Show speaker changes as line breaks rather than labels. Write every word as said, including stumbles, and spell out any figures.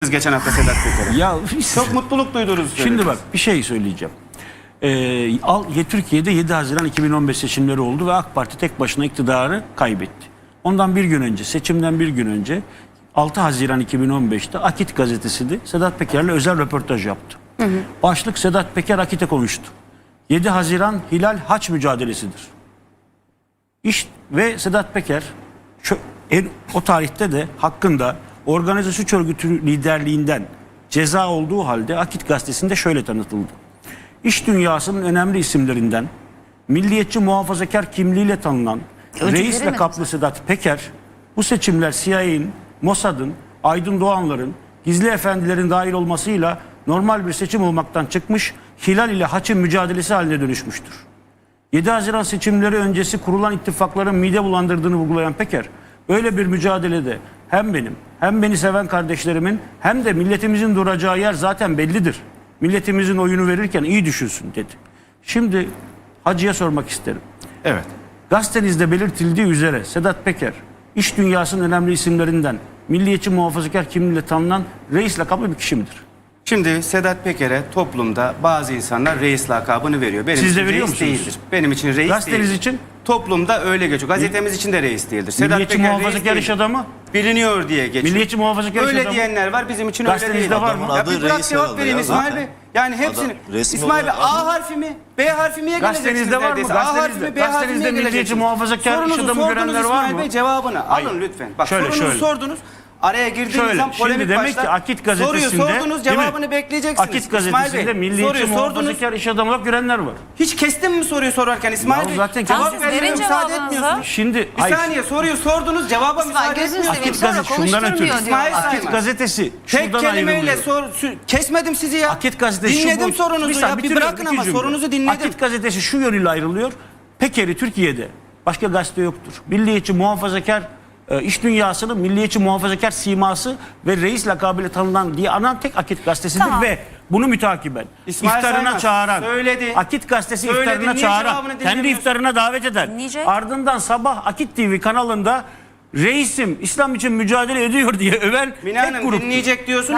ettiniz geçen hafta Sedat Peker'e.
Ya
Çok mutluluk duydunuz.
şimdi bak bir şey söyleyeceğim. Ee, al, Türkiye'de yedi Haziran iki bin on beş seçimleri oldu ve AK Parti tek başına iktidarı kaybetti. Ondan bir gün önce, seçimden bir gün önce altı Haziran iki bin on beşte Akit gazetesi Sedat Peker'le özel röportaj yaptı. Hı hı. Başlık Sedat Peker Akit'e konuştu. yedi Haziran Hilal Haç mücadelesidir. İş ve Sedat Peker şu, en, o tarihte de hakkında organize suç örgütü liderliğinden ceza olduğu halde Akit gazetesinde şöyle tanıtıldı. İş dünyasının önemli isimlerinden milliyetçi muhafazakar kimliğiyle tanınan
Öncüleri
reis
mi?
lakaplı Sedat Peker bu seçimler C I A'nin, Mossad'ın, Aydın Doğanların, gizli efendilerin dahil olmasıyla normal bir seçim olmaktan çıkmış, Hilal ile Haç'ın mücadelesi haline dönüşmüştür. yedi Haziran seçimleri öncesi kurulan ittifakların mide bulandırdığını vurgulayan Peker, öyle bir mücadelede hem benim hem beni seven kardeşlerimin hem de milletimizin duracağı yer zaten bellidir. Milletimizin oyunu verirken iyi düşünsün dedi. Şimdi Hacı'ya sormak isterim.
Evet.
Gazetenizde belirtildiği üzere Sedat Peker, iş dünyasının önemli isimlerinden milliyetçi muhafazakar kimliğiyle tanınan reis lakaplı bir kişi midir?
Şimdi Sedat Peker'e toplumda bazı insanlar reis lakabını veriyor. Benim
Siz de
için
veriyor
reis
musunuz?
değildir. Benim için reis
Gazeteniz
değildir.
için?
Toplumda öyle geçiyor. Gazetemiz için de reis değildir. Sedat
Milliyetçi
Peker
muhafazakar
reis
iş
değildir.
adamı?
Biliniyor diye geçiyor.
Milliyetçi muhafazakar iş
Öyle
adamı?
diyenler var, bizim için öyle değil.
Gazetenizde var mı?
Ya
Adı
bir bırak
reis
cevap
herhalde
verin
ya
İsmail
zaten.
Bey. Yani hepsini.
Adam resmi
İsmail Bey
olarak
A
adı-
harfi mi? B harfi miye geleceksiniz
Gazetenizde var mı?
neredeyse? A harfi
Gazetenizde-
mi? B harfi miye
gazetenizde milliyetçi
geleceksiniz?
muhafazakar iş
Sorunuzu
adamı
sordunuz
görenler var
İsmail
mı?
Bey, cevabını
Hayır.
alın lütfen. Bak
Şöyle,
sorunuzu
şöyle.
sordunuz. Araya girdiğiniz
Şöyle,
zaman polemik
şimdi demek
başlar.
ki Akit gazetesinde
Soruyu sordunuz,
değil mi?
cevabını bekleyeceksiniz.
Akit
İsmail
gazetesinde
Bey,
milliyetçi
soruyu sordunuz.
muhafazakar iş adamı olarak görenler var.
Hiç kestin mi soruyu sorarken İsmail
Ya
Bey?
zaten
Cevap
kestim.
vermeye
Verin
müsaade
cevabınızı.
etmiyorsunuz.
Şimdi
Bir
hayır.
saniye soruyu sordunuz, cevaba
İsmail
müsaade
gözünü seveyim
etmiyorsunuz.
sonra
Akit gazetesi şundan ötürü.
konuşturmuyor diyor.
İsmail
Ay,
Akit gazetesi
Tek
şuradan
kelimeyle
ayrılıyor.
sor, sü- kesmedim sizi ya.
Akit gazetesi şu
Dinledim
bu-
sorunuzu
saniye,
ya. Bir
bitiriyorum,
bırakın
iki
ama
cümle.
sorunuzu dinledim.
Akit gazetesi şu yönüyle ayrılıyor. Peker'i Türkiye'de başka gazete yoktur. Milliyetçi muhafazakar e, iş dünyasının milliyetçi muhafazakar siması ve reis lakabıyla tanınan diye anan tek Akit gazetesidir
Tamam.
ve bunu mütakiben
İsmail
iftarına
Saymaz
çağıran,
söyledi.
Akit gazetesi
Söyledi,
iftarına
niye
çağıran,
cevabını
kendi
dinlemiyorsun?
iftarına davet eden,
Dinleyecek.
ardından sabah Akit T V kanalında reisim İslam için mücadele ediyor diye öven
Mine
tek
Hanım
gruptur.
dinleyecek diyorsunuz.